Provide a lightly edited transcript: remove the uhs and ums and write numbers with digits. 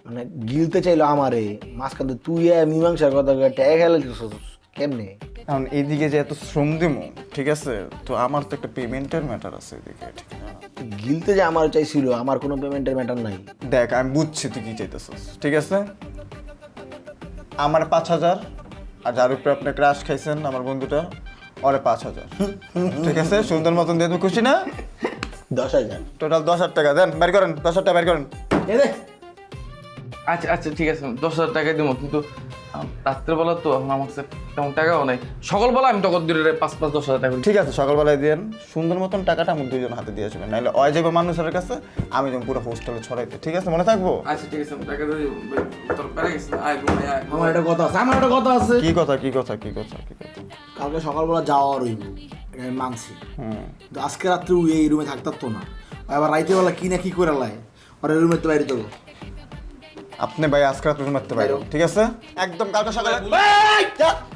মানে গিলতে চাইলো আমারে মাঝখান দিয়ে তুই মীমাংসার কথা ট্যাগ খেলে কেমনে? এখন এইদিকে যে এত শ্রম দিমু, ঠিক আছে, তো আমার তো একটা পেমেন্টের ম্যাটার আছে এদিকে, ঠিক না? গিলতে যে আমার চাইছিল, আমার কোনো পেমেন্টের ম্যাটার নাই। দেখ আমি বুঝছি তুই কি চাইতেছিস, ঠিক আছে, আমার 5,000, আর যার উপরে আপনি ক্রাশ খাইছেন আমার বন্ধুটা, ওরে 5,000, ঠিক আছে, সুন্দর মতন দিয়ে তুমি খুশি না? 10,000। টোটাল 10,000 টাকা দেন, বের করেন, 10,000 টাকা বের করেন। আচ্ছা আচ্ছা ঠিক আছে, 10,000 টাকা দেবো, কিন্তু রাত্রেবেলা তো এখন আমার কাছে তেমন টাকাও নাই। সকালবেলা আমি তখন দিলে 5-10,000 টাকা করি। ঠিক আছে, সকালবেলায় দেন, সুন্দর মতন টাকাটা আমার দুইজন হাতে দিয়ে আসবেন, নাহলে অয় যাবে মানুষের কাছে, আমি যেমন পুরো হোস্টেলে ছড়াইতে, ঠিক আছে, মনে থাকবো? আচ্ছা ঠিক আছে, আমি টাকা দিয়ে দেবো। তোর পেরে গেছে, আয় ঘুমাই, আয়। আমার একটা কথা আছে, আমার একটা কথা আছে। কি কথা কি কথা কি কথা কি কথা? কালকে সকালবেলা যাওয়ার হইব, এটা আমি মানছি, কিন্তু আজকে রাত্রে ও এই রুমে থাকতার তো না। ও আবার রাইতে বেলা কি না কি করে লাই, আর এই রুমে তো বাইরে দেবো। আপনি ভাই আজকে রাত মারতে পারেন, ঠিক আছে, একদম কালকে সকালে